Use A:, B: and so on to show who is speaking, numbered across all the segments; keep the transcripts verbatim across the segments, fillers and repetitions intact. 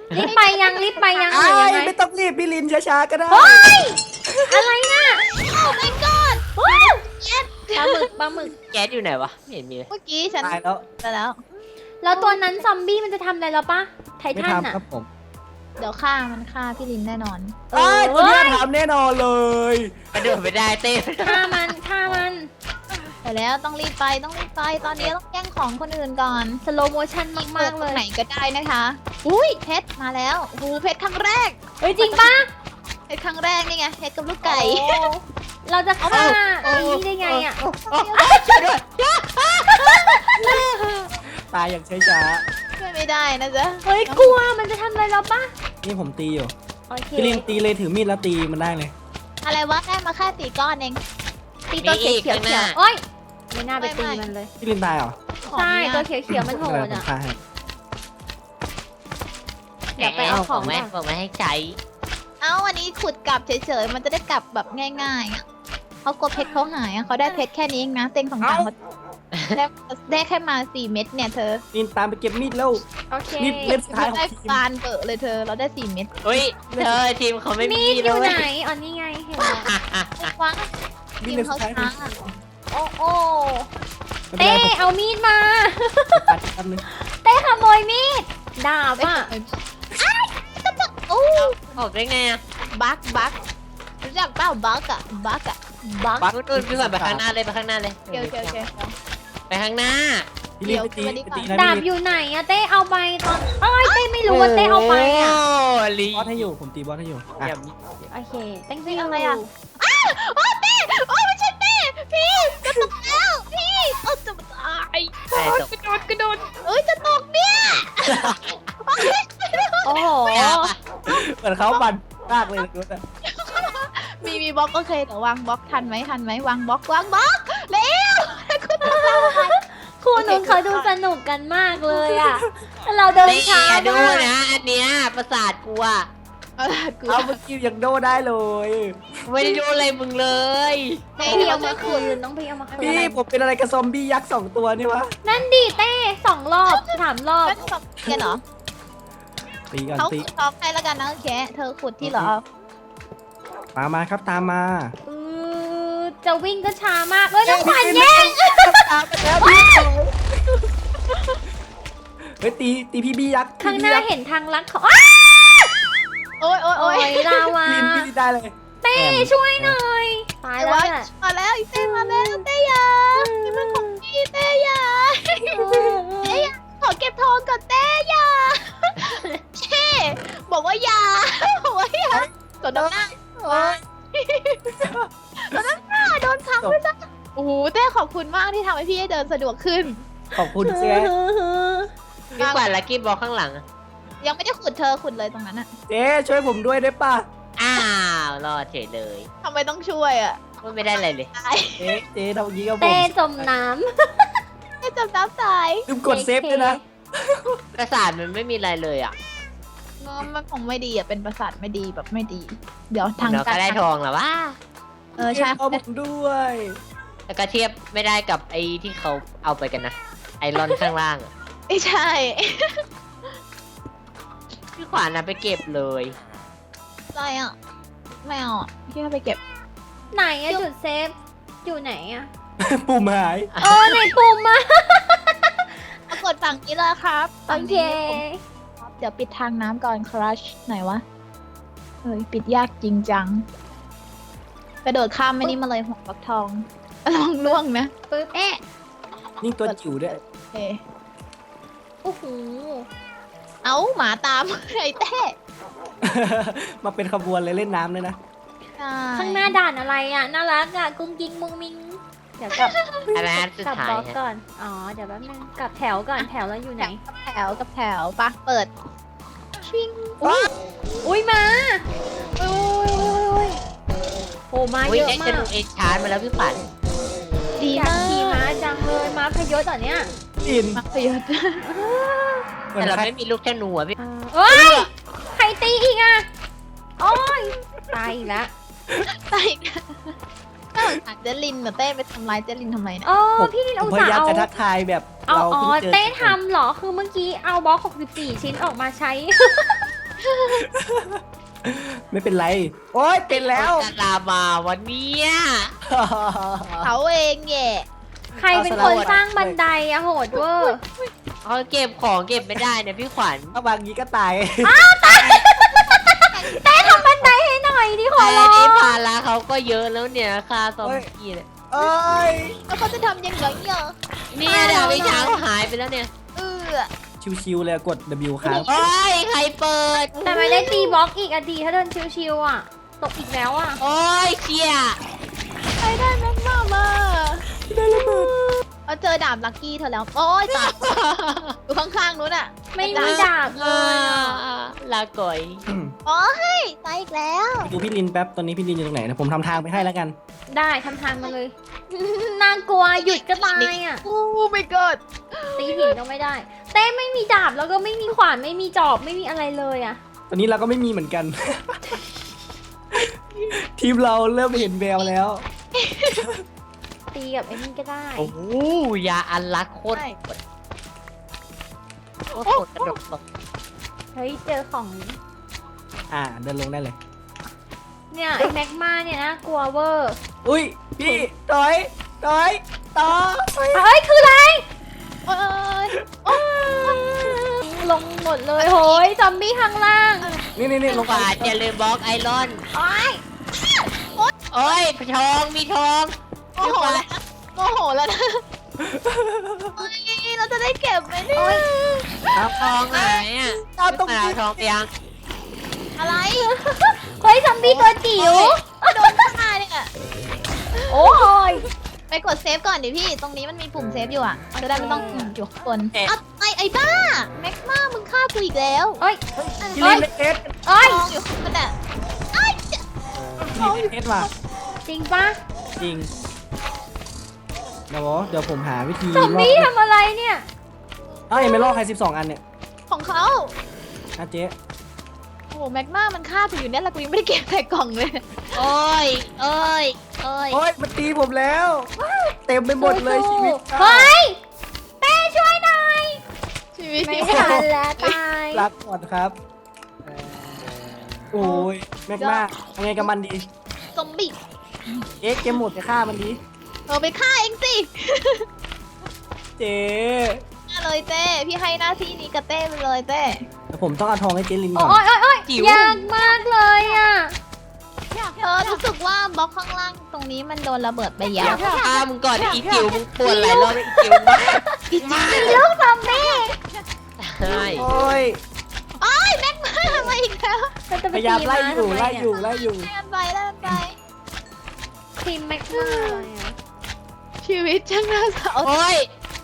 A: รีบไปยังรีบไปยังห
B: ไอ้
A: รือยังไง
B: ไม่ต้องรีบพี่ลินช้าๆก็ได้
A: เฮ้ยอะไรน่ะ
C: โอ้ my god
A: ว้าว
C: แก๊ส
A: ปลาหมึกปลาหมึก
D: แก๊สอยู่ไหนวะไม่เห็นมีเลย
C: เมื่อกี้ฉัน
B: ตายแล้ว
C: ไปแล้ว
A: แล้วตัวนั้นซอมบี้มันจะทำอะไรเราปะไท
B: ไม่
A: ทัน
B: ทำ
A: อ่ะ
B: ครับผม
C: เดี๋ยวฆ่ามันฆ่าพี่ลินแน่นอน
A: เอ
B: ไอ้
A: อ
B: ตัวนี้ทำแน่นอนเลย
D: กระโดดไม่ได้เต้
A: ฆ่ามันฆ่ามัน
C: ไปแล้วต้องรีบไปต้องรีบไปตอนนี้ต้องแย่งของคนอื่นก่อน
A: สโลโมชั่นมากๆเลย
C: ไหนก็ได้นะคะอุ้ยเพชรมาแล้วโอ้โหเพชรครั้งแรก
A: เฮ้ยจริงปะ
C: เพชรครั้งแรกนี่ไงเพชรกับลูกไก่
A: โอ้เราจะฆ่าไอ้นี่ได้ไงอ่ะ
D: ช่วยด้วย
B: ตายอย่างช้า
C: ช่วยไม่ได้นะจ๊ะ
A: เฮ้ยกลัวมันจะทำอะไรเราปะ
B: ๆนี่ผมตีอยู่
A: โอเค
B: พี่ลินตีเลยถือมีดแล้วตีมันได้เลย
C: อะไรวะได้มาแค่ตีก้อนเอง
A: ตีตัวเขียวเขียวเขียวโอ้ยไม่น่าไปตีมันเลย
B: พี่ลินตายเหรอ
A: ใช่ตัวเขียวเขียวมันโหด
B: ผม
A: อ่ะ
B: ฆ่าให้
A: เดี๋ยวไปเอาของ
D: แม่
A: ก่อน
D: บอกมาให้ใช้
C: เอ้าวันนี้ขุดกลับเฉยๆมันจะได้กลับแบบง่ายๆอ่ะเขากลัวเพชรเขาหายอ่ะเขาได้เพชรแค่นี้เองนะเต็งของต่างเขาได้ได้แค่มาสี่เม็ดเนี่ยเธอ
B: ลินตามไปเก็บมีดแล้ว
A: โอเค
B: มีดเล่มสุดท้ายของ
C: ได้
B: ทีม
C: ฟานเบอะเลยเธอเราได้สี่เม็ด
D: เฮ้ยเธอทีมเขาไม่
A: มี
D: มี
A: ดอ
D: เล
A: ยู่
D: ย
A: ไหนอ๋อนี่ไงเห็นแล้ว
C: ว้า
B: มี
C: ที
B: ด
C: ม
B: เล่มสุ
C: เขา
B: ดท้าย
C: ช้าอะ
A: โอ้โอ้
B: ไม่
A: เต้
B: เป็นไร
A: เอามีดมา
B: ผมตัดแป๊บนึง
A: เต้ขโมยมีดดาบอ่ะ
C: โอ้
D: ออกได้ไงอะ
C: บักบักรู้จักเปล่าบักอะบักอะบัก
D: บักนู่นพี่ขวัญไปข้างหน้าเลยไปข้างหน้าเลย
C: โอเคโอเคโอเค
D: ไปข้างหน้า
B: พี่ลินไปตี
C: เดี๋ยว
B: ไปตี
C: เดี๋ยว
B: นะ
A: ดาบ
B: พี่
A: อ
B: ลิน
A: ยู่ไหนอะเต้เอาไปตอนเอ้ยเต้ไม่รู้ว่าเต้เอาไปอะ
D: โอ้ลี
B: บอสให้อยู่ผมตีบอสให้อยู่อ่ะ
D: อย่ามี
A: โอเค thank
C: นี่
A: you
C: อะไรอะโอ้เต้โอ้ไม่ใช่เต้พี่จะตกแล้วพี่โอ้จะตาย
D: ใช่ตก
C: กระโดดกระโดดเอ้ยจะตกเนี่ย
A: โอ้โห
B: เหมือนเขาบันมากเลยรู้แต่
C: มีมีบล็อกโอเคเดี๋ยววางบล็อกทันไหมทันไหมวางบล็อกวางบล็อกเร็วคุณต้องทำอะไร
A: คู่นู้นเขาดูสนุกกันมากเลยอะเราเดิน
D: นี่
A: ช้า
D: อย่าดู
A: มาก
D: นะ อันเนี้ยประสาทกูอะ
C: เออกู
B: เอาเมื่อกี้ยังโดได้เลย
D: ไม่ได้ดูอะไรมึงเลย
A: ต้องพี่เอามาคืนต้องพี่เอามาคืน
B: พี่ผมเป็นอะไรกับซอมบี้ยักษ์สองตัวนี่วะ
A: นั่นดิเต้สองรอบสามรอบ
C: ไม่ตกกันเหรอ
B: ตีกัน
C: เขา
B: ตี
C: ขุดทองให้แล้วกันนะโอเคเธอขุดที่เหรอ
B: ตามมาครับตามมา
A: เออจะวิ่งก็ช้ามากเอ้ยน้องขวัญแย่ง
B: ตามไปแล้วพี่เฮ้ยตีตีพี่บี้ยักษ์
A: ข้างหน้า
B: พี่บี้ยักษ์
A: เห็นทางลัดเขาอ้า
C: โอ้ยโอ้ย
A: โอ้
C: โอ้ย
A: ยลาวา
B: ลินพี่ได้เลย
A: เต้ช่วยหน่อยตาย
C: ไอ้
A: แล้ว
C: วะ
A: เนี่ย
C: มาแล้วอีเต้มาแล้วเต้ยานี่มันของพี่เต้ยาเต้ยาขอเก็บทองก่อนเต้ยาเช่บอกว่าอยาบอกว่าอยาสนน้ำหน้าโอ้ยสนน้ำหน้าโดนขังไปซะโอ้โหเต้ขอบคุณมากที่ทำให้พี่ได้เดินสะดวกขึ้น
B: ขอบคุณเสีย
D: พี่ขวัญลักกี้บอลข้างหลังอะ
C: ยังไม่ได้ขุดเธอขุดเลยตรงนั้นอะ
B: เจ๊ช่วยผมด้วยได้ป่ะ
D: อ้าวรอดเฉยเลย
C: ทำไมต้องช่วยอะ
D: พูดไม่ได้อะไรเลย
C: ตาย
B: เจ๊เจ๊ทำอย่างนี้กับผ
A: เต้
B: ม
A: จมน้
C: ไม่จำน้ำตาย
B: ลืมกดเซฟด้วยนะ
D: ประสาทมันไม่มีอะไรเลยอ่ะ
C: มันคงไม่ดีอะเป็นประสาทไม่ดีแบบไม่ดี เดี๋ยวทาง
D: เราก็ได้ทองแล้วว่า
C: เออใช่
B: ขอบผมด้วย
D: แล้วก็เทียบไม่ได้กับไอ้ที่เขาเอาไปกันนะ ไอรอนข้างล่างอะ
C: ไม่ใช่
D: พี่ขวัญนะไปเก็บเลย
C: อะไรอ่ะไม่เอาอ่ะพี่ให้ไปเก็บ
A: ำไหนอะจุดเซฟอยู่ไหนอะ
B: ปุ่มหาย
A: เออไหนปุ่มอะ
C: ปรากฏฝั่งนี้เลยครับ
A: โอ
C: ฝั่ง
A: เค
C: นี้เดี๋ยวปิดทางน้ำก่อนครัชไหนวะเฮ้ยปิดยากจริงจังกระโดดข้ามไม่นี่มาเลยหัวฟักทองลองล่วงนะ
A: ปึ๊บเอ๊ะ
B: นี่ตัวจิ๋วด้วย
C: โอเค
A: โอ้โห
C: เอ้าหมาตาม ไอ้เต้
B: มาเป็นขบวนเลยเล่นน้ำเลยนะ
C: ใช่
A: ข้างหน้าด่านอะไรอะน่ารักอะกุ้งกิ้งมุงมิงเดี๋ยวกลับ
D: อะไรนะสุด
A: กลับ
D: ท้า
A: บ
D: ย
A: ล็อก
D: ฮะ
A: ก่อนอ๋อเดี๋ยวแป๊บนึงกลับแถวก่อนแถวแล้วอยู่ไหน
C: กับแถวกับแถวปะเปิดชิง
A: อุ้ยมาอุ้ยอุ้ยโอ้มา
D: อุ้ย
A: เยอะ
D: ได้
A: มา
D: จะ
A: ก
D: ดูเอชาร์ดมาแล้วพี่ขวัญ
C: ดี
A: อยาก
C: มาก
A: ขี่ม้าจังเลยม้าพยศเหรอเนี่ย
B: อิน
C: มากเลย
B: เหมือ
D: แต่
B: น
D: เรา
B: ใคร
D: ไม่มีลูกธนูอะพี่
A: เอ้ยใครตีอีกอ่ะโอ้ยตายอีกแล้ว
C: ใช่ก็หาเจลินน่ะเต้ไปทำร้ายเจลินทำไมเนี่ย
A: โอ้พี่ลิน
B: ผ
A: อุ
B: ม
A: ต
B: พ
A: ส่าห์
B: ยายาม
A: เอา
B: จะทักทายแบบ
A: เอา
B: เรา
A: อ๋อ
B: เพิ่งเจอ
A: เต้ทำเหรอคือเมื่อกี้เอาบล็อกหกสิบสี่ชิ้นออกมาใช้
B: ไม่เป็นไร โอ๊ยเป็นแล้ว
D: จะลามาวันเนี้ย
C: เขาเองแย่
A: ใครเป็นคนสร้างบันไดอะโหดเวอร์
D: เขาเก็บของเก็บไม่ได้เนี่ยพี่ขวัญ
B: ถ้าบางนี้ก็ตาย
A: เต้ทำบันไดให้หน่อยดิขอ
D: แต่
A: ร้อง
D: นี่ภาระเขาก็เยอะแล้วเนี่ยค่าซอมบี้เนี่ย
B: เอ้ย
C: แล้วเขาจะทำยังไงเนี่ย
D: เนี่ยดาวิช้างหายไปแล้วเนี่ย
C: เออ
B: ชิวๆเลยกด W ค้าง
D: โอ้ยใครเปิด
A: แต่ไม่ได้ตีบล็อกอีกอะดีถ้าเดินชิวๆอะตกอีกแล้วอะ
D: โอ้ยเชี่ย
C: ใครได้แม็กมามาเอาเจอดาบลักกี้เธอแล้ว โอ้ยตายอยู่ข้างๆนู้นอ่ะ
A: ไม่มีดาบเล
D: อ่าย
A: อะ
D: ลาก่อย
C: โอ้ยตายอีกแล้ว
B: ไปดูพี่ลินแป๊บ ตอนนี้พี่ลินอยู่ตรงไหนนะผมทำทางไปให้แล้วกัน
A: ได้ทำทางมาเลย น่ากลัวหยุดก็ตายอะ
C: โอ้ my god
A: ตีหินก็ไม่ได้ เต้ไม่มีดาบแล้วก็ไม่มีขวานไม่มีจอบไม่มีอะไรเลยอะ
B: ตอนนี้เราก็ไม่มีเหมือนกัน ทีมเราเริ่มเห็นแววแล้ว
A: ตีกับไอ้นี่ก็ได้
D: โอ้โหยาอันลักโคตรโคตรโคตรกระดกตก
A: เฮ้ยเจอของ
B: อ่าเดินลงได้เลย
A: เนี่ยไอ้แม็กมาเนี่ยนะกลัวเวอร์
B: อุ้ยพี่ถอยถอยต่อ
A: เฮ้ยคืออะไร
C: โอ้ยโอ้ย
A: ลงหมดเลยโหยซอมบี้ข้างล่าง
B: นี่นี่นี่ลง
D: ข
B: ไป
D: วาดอย่าลืมบล็อกไอรอน
A: โอ้ย
D: โอ้ยทองมีทอง
C: โมโหแล้วนะโมโหแล้วนะโอ้ยเราจะได้เก็บไหมเนี่ย
B: ครับ
D: ทองหายอ่ะ
B: เอาตรง
D: ไม่
B: นี้
D: เอาทองไปยัง
C: อะไร
A: เฮ้ยซอมบี้ตัวจิ๋ว
C: โดนฆ่าเนี่ย
A: โอ้ย
C: ไปกดเซฟก่อนดิพี่ ตรงนี้มันมีปุ่มเซฟอยู่อ่ะจะได้ไม่ต้องอยู่ข้างบนอ่ะไอไอ้บ้า แม็กมามึงฆ่ากูอีกแล้ว
A: เฮ้ย
B: พี่ลินเอส
A: เอ้ย
C: ทองอยู่ข้างบนอ่ะ
B: พี่ลินเอสว่ะ
A: จริงปะ
B: จริงเดี๋ยวเดี๋ยวผมหาวิธี
A: ซอม
B: รอ
A: บี้
B: ด
A: ทำอะไรเนี่ย
B: เอ้ายังไม่รอดใครสิบสองอันเนี่ย
C: ของเขา
B: นะเจ๊
C: โอ้โหแม็กมามันฆ่ากูอยู่เนี่ยแล้วกูยังไม่ได้เก็บใส่กล่องเลย
D: โอ้ยโอ้ยโอ้ย
B: โอ๊ยมันตีผมแล้ว เต็มไปหมดเลยชีวิต
A: เฮ้ยเต้ช่วยหน่อย
C: ชีวิต
A: ไม่ทันแล้วตาย
B: รักก่อนครับ โอ้ยแม็กมาทำไงกับมันดี
C: ซอมบี้
B: เอ๊ะเกมหมดไปฆ่ามันดี
C: เออไปฆ่าเองสิ
B: เจ๊
C: ฆ่าเลยเต้พี่ให้หน้าที่นี้กับเต้ไปเลยเต้
B: แต่ผมต้องเอาทองให้เจลินก่
A: โอ้
B: อน
A: ยโอ้ยโอ้ยยากมากเลยอ่ะ
C: เธอรู้สึกว่าบล็อกข้างล่างตรงนี้มันโดนระเบิดไปเย
D: เดี๋ยว
C: อะ
D: ฆ่ามึงก่อนอีจิ๋วมึงปวดหลายรอบอีจิ๋วมากมา
A: ลูกซอมบี้
D: ใช่
B: โอ้ย
C: โอ้ยแม็กมามาอีกแล้ว
A: เราจะไป
B: พยายาม
A: ตี
B: ไล่
A: ม้า
B: อยู่
A: ทำม
B: ไล่
A: เนี่
B: อยู่ไล่อยู่
C: ไล่กันไปไล่กันไป
A: ทีมแม็กมาเลยอะ
C: ชีวิตช่างน่าเศร้า
D: โอ้ย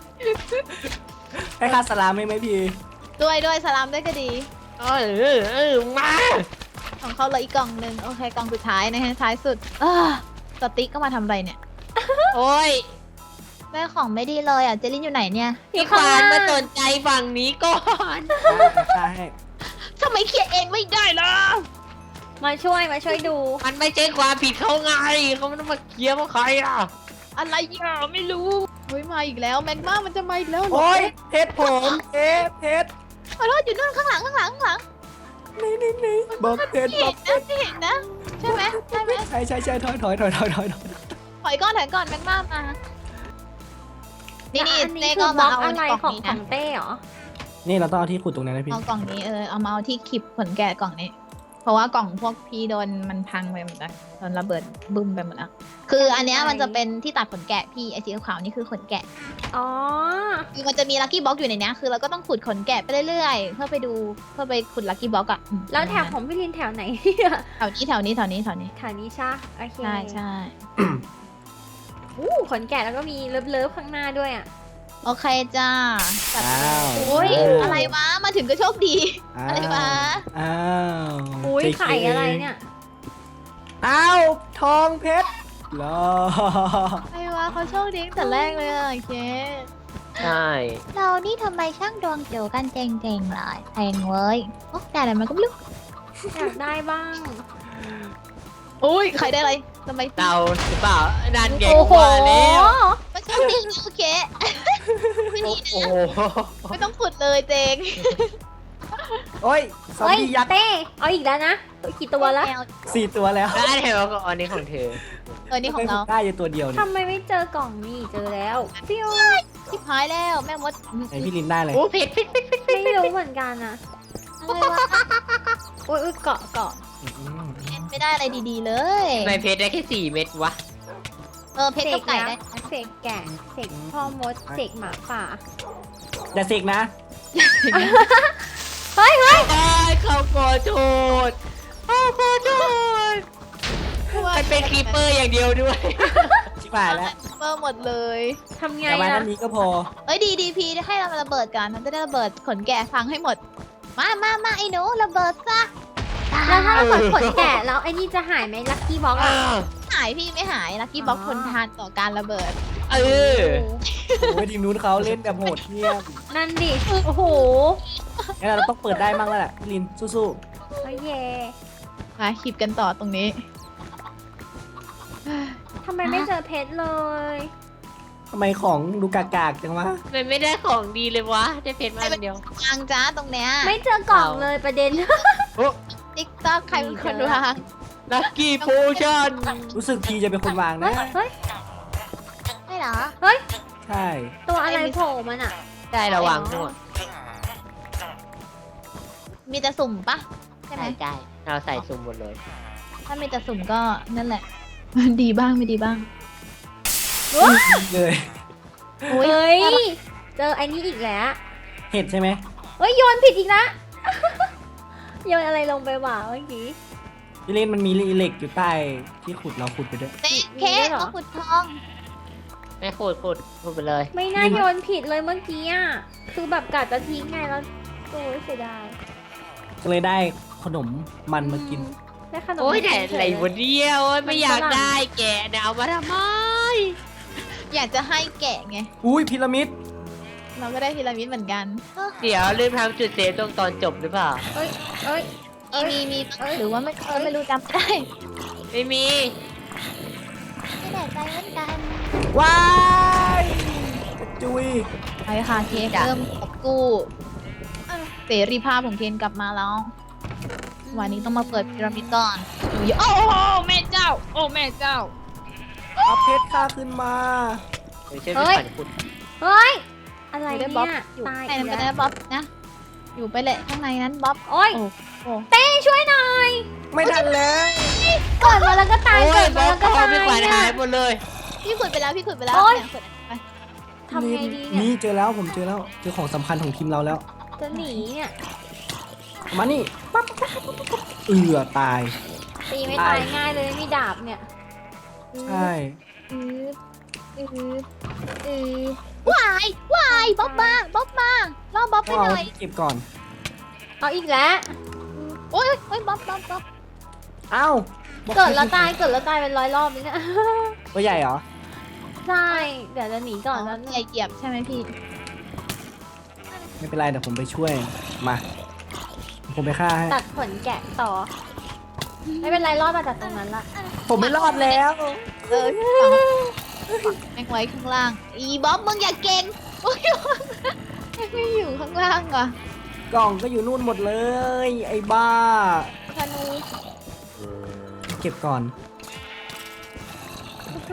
B: ให้ค่าสลามไหมไหมพี่
C: ด้วยด้วยสลามด้วยก็ดี
D: โอ้ยเออเออมา
C: ของเขาเหลยอีกกล่องหนึ่งโอเคกล่องสุดท้ายนะฮะท้ายสุดเออสติ๊กก็มาทำอะไรเนี่ย
D: โอ้ย
C: แม่ของไม่ดีเลยอ่ะเจลินอยู่ไหนเนี่ย
D: พี่ควานมาสนใจฝั่งนี้ก่อน
B: ใช่
C: ทำไมเคลียร์เองไม่ได้ล่ะ
A: มาช่วยมาช่วยดู
D: มันไม่ใช่ความผิดเขาไงเขาไม่ต้องมาเคลียร์ว่าใครอ่ะ
C: อะไรอ่ะไม่รู้เฮ้ยมาอีกแล้วแม็กมามันจะมาอีกแล้วเหร
B: โอ้ยเพชรผมเพชรเพชร
C: ขอโทษอยู่นู่นข้างหลังข้างหลังข้างหลัง
B: นี่นี่นี่บอกเพชร
C: พี่
B: บอ
C: เห็
B: ก
C: นนะพี่เห็นนะใช่ไหมใช่ไหม
B: ใช่ใช่ใช่ถอยถอยถอยถอยถอยถอย
C: ถอยก่อนถอยก่อนแม็กมามานี่นี่
A: อัน
C: เต้
A: นี้
C: ก็
A: คือบล็
C: มา
A: อก
C: เอา
A: อะไร
C: กล่อง
A: ของ
C: นี้
A: ขอ
C: นะ
A: งเต้เหรอ
B: นี่เราต้องเอาที่ขุดตรงนั้นนะพี่
C: เอากล่องนี้เออเอามาเอาที่คลิปขนแกะกล่องนี้ เพราะว่ากล่องพวกพี่โดนมันพังไปหมดแล้วโดนระเบิดบึ้มไปหมดแล้วคืออันเนี้ยมันจะเป็นที่ตัดขนแกะพี่ไอสีขาวๆนี่คือขนแกะ
A: อ๋อ
C: คือมันจะมีลัคกี้บ็อกอยู่ในเนี้ยคือเราก็ต้องขุดขนแกะไปเรื่อยๆ เพื่อไปดูเพื่อไปขุดลัคกี้บ็อกอะอืม
A: แล้วแถบของพี่ลินแถวไหนเนี่ย
C: แถวนี้แถวนี้แถวนี้แถวนี้
A: แถวนี้ใช่โอเค
C: ใช่ใช่
A: อู้ขนแกะแล้วก็มีเลิฟๆข้างหน้าด้วยอ่ะ
C: โอเคจ้าจัด
B: อ้าว
C: โอ้ยอะไรวะมาถึงก็โชคดี อะไรวะ
B: อ้าว
A: อุ้ย
B: เจ๊
A: ไข่อะไรเนี่ย
B: อ้าวทองเพชรรอ
C: อะไรวะเขาโชคดีตั้งแต่แรกเลยอะโอเค
D: ใช่
C: เรานี่ทำไมช่างดวงเกี่ยวกันเจ๋งๆเลยแพงเว้ยโอ้แต่อะไรมันก็ไม่รู้
A: อยากได้บ้าง
C: อุ้ยใครได้อะไรทำไม
D: เตาหรือเปล่านั่นแก
A: โอ้โห
D: ว่าแล้ว
C: มันโชคดีนะโอเคไม่
D: โอ้
C: ดี
D: โห
C: นะไม่ต้องขุดเลยเจง
B: โอ้ยซอม
A: เฮ้ย
B: บี้ยักษ์
A: เต้เอาอีกแล้วนะกี่ตัวแล้ว
B: สี่ตัวแล้ว
D: แล้วอันไหนวะก็อันนี้ของเธอ
C: เออนี่ของเรา
B: ได้อยู่ตัวเดียวนี่
A: ทำไมไม่เจอกล่องนี่เจอแล้วฟิว
C: ชิบหายแล้วแม่มด
B: ไหนพี่ลินได้เลย
D: โอ้เพชรเพชรเพชรเพชร
A: ไม่รู้เหมือนกันอะ
C: อะไรวะ
A: โอ้ยอุ๊ยเกาะเกาะ
B: อืม
C: ไม่ได้อะไรดีๆเลย
D: ทำไมเพชรได้แค่สี่เม็ดวะ
C: เออเพชรกับไก่ได้
A: เสกแกะเสกพ่อมดเสกหมาป่า
B: อย่าเสกนะ
A: เฮ้ยเฮ้ย
D: ไอ้ยเขาขอโทษเขาขอโทษมันเป็นครีปเปอร์อย่างเดียวด้วย
B: ชิบหายแล้ว
C: เปิดหมดเลย
A: ทำไง
B: แต่มา
A: อะ
B: ด้านนี้ก็พอ
C: เอ้ยดีดีพีให้เรามาระเบิดกันมันจะได้ระเบิดขนแกะฟังให้หมด มามามาไอ้หนูระเบิดซะ
A: แล้วถ้าเราเปิดขนแกะแล้วไอ้นี่จะหายไหมลัคกี้บ็อกอะ
C: หายพี่ไม่หายลักกี้บ็อกทนทานต่อการระเบิด
D: เออ
B: โอ้ยทีมนู้นเขาเล่นแบบโหดเหี้ยม
A: นั่นดิโอ้โห
B: งั้นเราต้องเปิดได้มั่งแล้วแหละพี่ลินสู้
A: โอ้ยเย่
C: มาขีบกันต่อตรงนี้
A: ทำไมไม่เจอเพชรเลย
B: ๆทำไมของดูกากๆจังวะ
D: มันไม่ได้ของดีเลยวะ ได้เพชรมาอันเดียว
C: วางจ้าตรงเนี้ย
A: ไม่เจอกล่องเลยประเด็น
D: โอ้
C: ติ๊กต๊อกใครเป็นคนวาง
D: ลักกี้โพชั่น
B: รู้สึกทีจะเป็นคนวาง
A: เฮ้
B: นะ
A: ยเฮ้ย
C: ไม่เหรอ
A: เฮ้ย
B: ใช่
A: ตัวอะไรโผล่มันอะ
D: ได้ระวังหมด
C: มีแต่สุ่มปะใช่ไหม
D: ได้ได้เราใส่ซุ่มหมดเลย
C: ถ้ามีแต่สุ่มก็นั่นแหละ ดีบ้างไม่ดีบ้าง
B: เลย
C: โอ้ย
A: เฮ้ยเจอไอ้นี่อีกแล้ว
B: เห็ดใช่ไหม
A: เฮ้ยโยนผิดอีกละ โยนอะไรลงไปหว่าเมื่อกี้
B: พี่ลินมันมีเหล็กอยู่ใต้ที่ขุดเราขุดไปด้วย
C: เต๊ะ
A: มี
C: เค้
A: ด้วย
C: ก
A: เหรอ
C: เอาขุดทอง
D: ไม่ขูดขูดขูดไปเลย
A: ไม่น่าโยนผิดเลยเมื่อกี้อ่ะ คือแบบกะจะทิ้งไงแล้วโอ้ยเสียดาย
B: ก็เลยได้ขนมมันมากิน
A: ได้ขนม
D: โอ้ย
A: มา
D: แต่
A: กิน
D: อะไร
A: เฉย
D: วะเนี่ยโอ้ยไม่อยากได้แกะเนี่ยเอามาทำไม
C: อยากจะให้แกะไง
B: อุ้ยพีระมิด
C: เราก็ได้พีระมิดเหมือนกัน
D: เดี๋ยวลืมทำจุดเซฟตรงตอนจบหรือเปล่า
A: เอ้ยเอ้ย
C: มีมีมี
A: เอ้ย
C: หรือว่าไม่เออไม่รู้จำไม่ได้
D: ไม่มี
C: ไม่แน่ใจเหมือนกัน
B: ว้ายกระจุย
C: ไปค่ะเคนเริ่มกอบกู้เสรีภาพของเคนกลับมาแล้ว วันนี้ต้องมาเปิดพีระมิดก่อนโอ้โหแม่เจ้า โอ้แม่เจ้า
B: เอาเพชรข้าขึ้นมา
D: เดี๋ยวช่วยพี่ขวัญขุด
A: เฮ้ย อะไร
C: อยู่
A: เนี่
C: ได้บ๊อบ
A: ย
C: อยู่
A: ตาย
C: ข้างใน
A: อี
C: นั้น
A: ก
C: ก็
A: แล้
C: ได้
A: ว
C: บ๊อบนะ อยู่ไปเลยข้างในนั้นบ๊อบ
A: โอ้ย
C: โอ้โอ้
A: เต้ช่วยหน่อย
B: ไม่ทันแล้ว
A: เกิดมาแล้วก็ตาย
D: โอ้
A: เกิ
D: ย
A: ด
D: บ
A: มา
D: อ
A: แล้ว
D: ก
A: ก็
D: เขา
A: ตาย
D: พี่ขวัญ
A: เนี่
D: หาย ยหมดเลย
C: พี่ขุดไปแล้วพี่ขุดไปแล้ว
A: โอ๊ย
C: เนี่ยขุดไป
A: ทำไงดีเนี่ย
B: นี่เจอแล้วผมเจอแล้วเจอของสำคัญของทีมเราแล้ว
A: จะหนีเนี่ย
B: มานี่ปั๊บปั๊บปั๊บปั๊บปั๊บเอือตาย
A: ตีไม่
B: ตา
A: ตาย ยง่ายเลยมีดาบเนี่ย
B: ใช่
C: อืออืออือวายวายบ๊อบมาบ๊อบมาล่อบ๊อบไป
B: ต้อง
C: ห
B: เอา
C: น่อย
B: เก็บก่อน
A: เอาอีกแล้ว
C: โอ้ยโอ้ยบ๊อบบ๊อบบ๊อบ
B: เอ้า
A: เกิดแล้วตายเกิดแล้วตายเป็นร้อยรอบเลยเนี่ย
B: ตัวใหญ่เหรอ
A: ใช่ เดี๋ยวจะหนีก่อนแล้ว
C: ใหญ่เหยียบใช่ไหมพี่
B: ไม่เป็นไรเดี๋ยวผมไปช่วยมา ผมไปฆ่าให้
A: ตัดขนแกะต่อ ไม่เป็นไรรอดมาจากตรงนั้นละ
B: ผมไม่รอดแล้ว
C: เออฝังแม่งไว้ข้างล่าง อีบ๊อบมึงอย่าเก่งโอ้ยไม่อยู่ข้างล่างว่ะ
B: กล่องก็อยู่นู่นหมดเลย ไอ้บ้า
C: ธนู
B: เก็บก่อนโอเค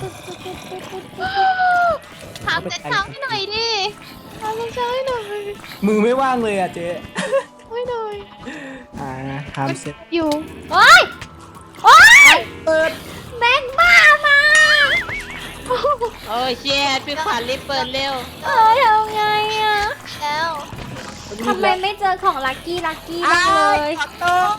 C: ถามเจ็ดเช้าให้หน่อยดิถามเจ็ดเช้าให้หน่อย
B: มือไม่ว่างเลยอ่ะเจ๊
C: ให้หน่อย
B: อ่าทำเสร็จ
C: อยู่
A: โอ๊ย โอ๊ย
B: เปิด
A: แม่งบ้ามา
D: โอ้ยเชียพี่ขวัญรีบเปิดเร็ว
A: เอ้ยทำไงอะ
C: แล้ว
A: ทำไมไม่เจอของลักกี้ลักกี้บ้างเลย
B: ขอโทษ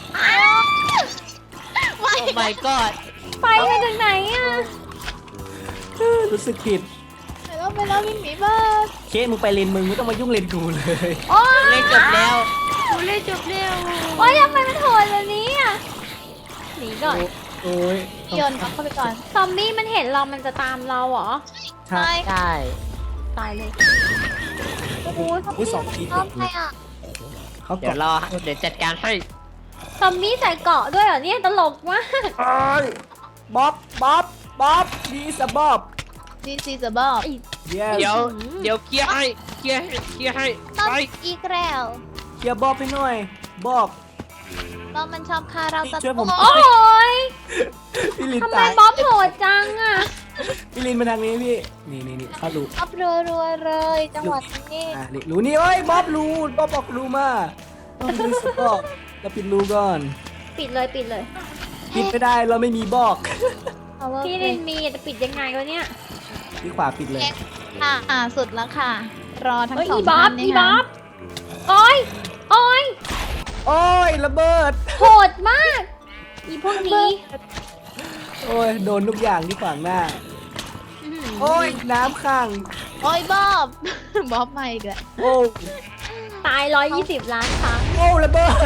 C: ไม่
D: โอ้ my god
A: ไปมาจากไหนอะ
B: รู้สึกผิด
C: ไปแล้วไปแล้ววิ่งหนีบ้าน
B: เคสมึงไปเลนมึงไม่ต้องมายุ่งเลนกูเลย
A: โอ๊ย
D: เล่นจบแล้วกูเล่นจบแล้ว
A: โอ๊ยทำไมมันโหดแบบนี้อะหนีก่อน
B: โอ้ย
C: โยนเข้าไปก่อน
A: ซอมบี้มันเห็นเรามันจะตามเราเหรอ
B: ใช่
D: ใช่
A: ตายเลย
C: โอ้โห
B: อุ้ยสองที
C: ชอบใครอ่ะ
B: เขา
D: เดี๋ยว
B: เกาะ
D: รอเดี๋ยวจัดการให้
A: ซอมบี้ใส่เกราะด้วยเหรอเนี่ยตลกมาก
B: เอ้ยบ๊อบบ๊อบบ๊อบดีสบ๊อบ
C: ดีซีจะบอก
B: เย้
D: เดี๋ยวเดี๋ยวเคลียร์ให้เคลียร์ให้เคลียร์ให้
C: ต้อง
D: ไป
C: อีกแล้ว
B: เคลียร์บ๊อบให้หน่อยบอก
C: บอมมันชอบฆ่าเราตะ
B: ช่วยผม
A: โอ้ย
B: พี่ลิน
A: ทำไม
B: ตาย
A: บ๊อบโหดจังอะ
B: พี่ลินมาทางนี้พี่นี่นี่นี่เข้ารู
C: อัพรัวรัวๆเลยจังหวัดนี้
B: อ่ะนี่รูนี่เอ้ยบ๊อบรูบ๊อบบอกรูมาต้องดูสปอกเราปิดรูก่อน
A: ปิดเลยปิดเลย
B: ปิดไม่ได้เราไม่มีบอก
C: เอาว่า
A: พี่ลินมีจะปิดยังไงวะเนี่ย
B: ที่ขวาปิดเลย
C: ค่ะอ่าสุดแล้วค่ะ รอทั้ง
A: เอ้ย
C: สอง
A: อีบ๊อบ
C: ท่าน
A: อี
C: นะ
A: บ๊อ
C: คะ
A: บโอ้ยโอ้ย
B: โอ้ยระเบิด
A: โหดมาก อีพวกนี้
B: โอ้ยโดนทุกอย่างที่ขวางหน้า
A: อื้อหือ
B: โอ้ยน้ำขัง
C: โอ้ยบ๊อบ บ๊อบมาอีกแล้ว
B: โอ้
A: ตายร้อยยี่สิบล้านครั้ง
B: โอ้ระเบิด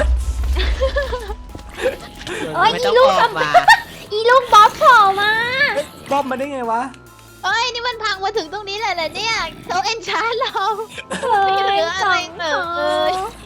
A: เอ้ย
D: ไม่
A: อี
D: ต้อง
A: ลูก
D: ออกมา
A: อีลูกบ๊อบโผล่มา
B: บ๊อบมาได้ไงวะ
C: เอ้ยนี่มันพังมาถึงตรงนี้เลยเหรอเนี่ยเขาเอ็นชาร์เรา
A: เฮ้
C: ไม่เหลื
A: ย
C: อ
A: ส
C: อะไร
A: อง
C: เล
A: เท้าย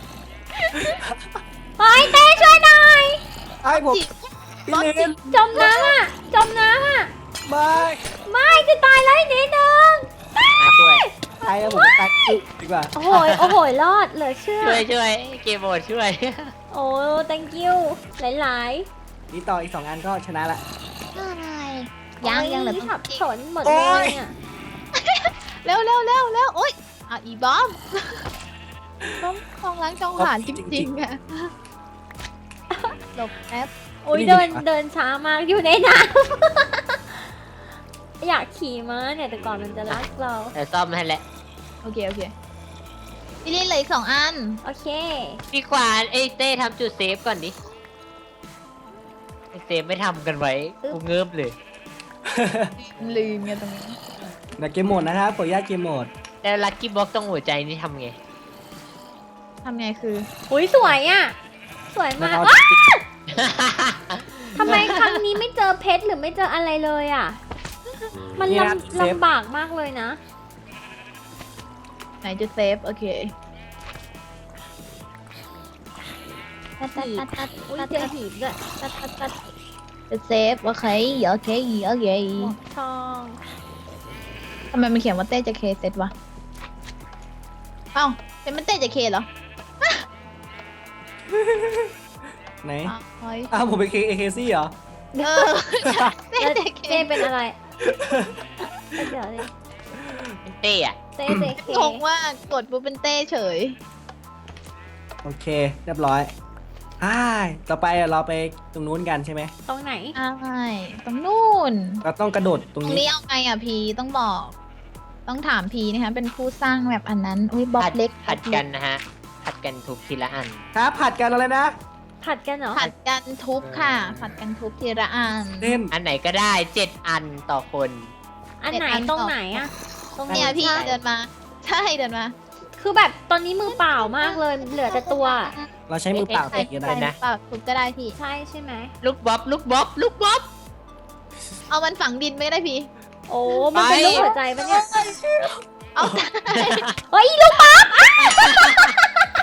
A: เฮ้ยเต้ช่วยหน่อย
B: ไอ้ผม
C: จิ
B: พี่ลิน
A: จมน้ำอ่ะ จมน้ำอ่ะ
B: ไม่
A: ไม่จะตายแล้วอีกนิดนึง
D: มาช่วย
B: ตายแล้วผมตายดีกว่า
A: โอ้โหยโอ้โหยรอดเหลือเชื่อ
D: ช่วยช่วยเกมโหมดช่วย
A: โอ้ thank you หลาย
B: นี่ต่ออีกสองอันก็ชนะละ
C: อะไร
A: ๆ
C: ยังยังเหลือ
A: โอ้
C: ต้อง
A: สับ
C: จิ
A: สนหมด
B: โอ้
A: เลย ยอ่ะ
C: เร็วเร็วเร็วเร็วโอ้ยอ่ะอีบ๊อบต้องคลองล้างจองหานจริงๆอะหลบแป๊บ
A: โอ้ยเดินเดินช้ามากอยู่ในน้ำ อยากขี่ม้าเนี่ยแต่ก่อนมันจะรักเรา
D: แต่ซ่อมให้แหละ
C: โอเคโอเคพี่ลินเหลืออีกสองอัน
A: โอเค
D: พี่ขวานเอ้ยเต้ทำจุดเซฟก่อนดิไอ้เซฟไม่ทำกันไว้กูเงิบเลย
C: ลืมไงตรงนี้
B: นะเกมโหมดนะครับขออนุญาตเกมโหมด
D: แล้วลัคกี้บ็อกต้องหัวใจนี่ทำไง
C: ทำไงคือ
A: อุ้ยสวยอ่ะ สวยมาก
B: แล้ว
A: อ๊ะ
B: เอา
A: ทำไมครั้งนี้ไม่เจอเพชรหรือไม่เจออะไรเลยอ่ะ มัน
B: นี่นะ
A: ลำ
B: เซฟ
A: ลำบากมากเลยนะ
C: ไหนจะเซฟ โอเคตัดตัดตัดตัด
A: อุ้ย
C: ตัด
A: เจอหีบด้วย
C: ตัดตัดตัดจะเซฟ โอเค โอเค โอเค
A: หมวกทอง
C: ทำไมมันเขียนว่าเต้จะเคเซตวะ เอ้าเป็นมันเต้จะเคเหรอ
B: ไหน
C: อ้าวเฮ้ย
B: อ้าวผมเป็นเคเอเคซี่เหรอ
C: เออเต้
A: แล้ว
C: จะเค
A: เจเป็นอะไรเดี๋ยวดิ
D: เป็นเต้อะ
A: เจเจเค
C: งงว่ากดปุ๊บเป็นเต้เฉย
B: โอเค เรียบร้อยอ่าต่อไปเราไปตรงนู้นกันใช่ไหม
A: ตรงไหน
C: ใช่ตรงนู่น
B: เราต้องกระโดดต
C: ต
B: ร
C: รง ง
B: นี้
C: นี้เอาไงอ่ะพีต้องบอก ต้องถามพีนะคะ เป็นผู้สร้างแบบอันนั้น อุ้ยบล็อ
D: ผั
C: ก
D: ด
C: เล็ก
D: ผัดกันนะฮะ ผัดกันทุบทีละอัน
B: ครับผัดกันอะไรนะ
A: ผัดกันเหรอ
C: ผัดกันทุบค่ะ ผัดกันทุบทีละอัน
B: เล่น
D: อันไหนก็ได้เจ็ดอันต่อคน
A: อันไหน
C: เจ็ดอัน
A: ตรง
C: ต่อ
A: ไหนอะตรง
C: เนี่ยพี่
A: ใช่
C: เดินมา ใช่เดินมา
A: คือแบบตอนนี้มือเปล่ามากเลย เหลือแต่ตัว
B: เราใช้มือเปล่า
C: ใช่
B: ตีกัน
C: ใช่
B: ได้นะ
C: เปล่าทุบก็ได้พี่
A: ใช่ใช่ไหม
D: ลูกบ๊อบลูกบ๊อบลูกบ๊อบ
C: เอามันฝังดินไม่ได้พี่
A: โอ้ มันเป็น
D: ไป
A: รูปหัวใจปะเนี่ย
C: เอา
A: เฮ้ยอีลูกป๊อป